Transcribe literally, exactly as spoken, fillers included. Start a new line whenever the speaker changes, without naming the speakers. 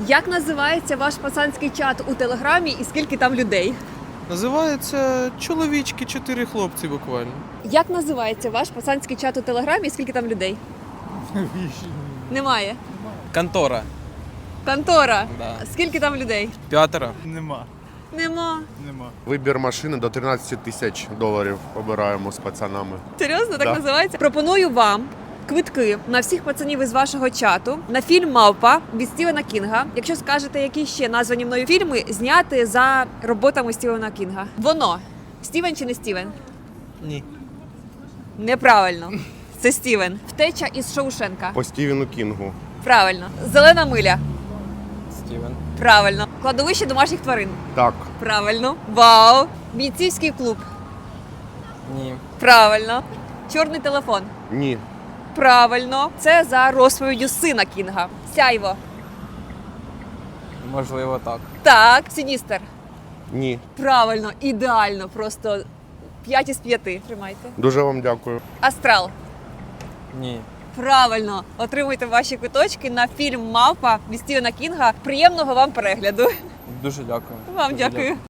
Як називається ваш пацанський чат у Телеграмі і скільки там людей?
Називається «Чоловічки, чотири хлопці» буквально.
Як називається ваш пацанський чат у Телеграмі і скільки там людей? Немає.
Контора.
Контора.
Да.
Скільки там людей?
П'ятеро.
Нема.
Нема.
Нема.
Вибір машини до тринадцять тисяч доларів обираємо з пацанами.
Серйозно, так
Да.
називається? Пропоную вам квитки на всіх пацанів із вашого чату на фільм «Мавпа» від Стівена Кінга. Якщо скажете, які ще названі мною фільми, зняти за роботами Стівена Кінга. Воно. Стівен чи не Стівен?
Ні.
Неправильно. Це Стівен. Втеча із Шоушенка.
По Стівену Кінгу.
Правильно. Зелена миля.
Стівен.
Правильно. Кладовище домашніх тварин.
Так.
Правильно. Вау. Бійцівський клуб.
Ні.
Правильно. Чорний телефон.
Ні.
Правильно. Це за розповіддю сина Кінга. Сяйво.
Можливо, так.
Так. Сіністер.
Ні.
Правильно. Ідеально. Просто п'ять із п'яти. Тримайте.
Дуже вам дякую.
Астрал.
Ні.
Правильно. Отримуйте ваші квиточки на фільм «Мавпа» від Стівена Кінга. Приємного вам перегляду.
Дуже дякую.
Вам
Дуже
дякую.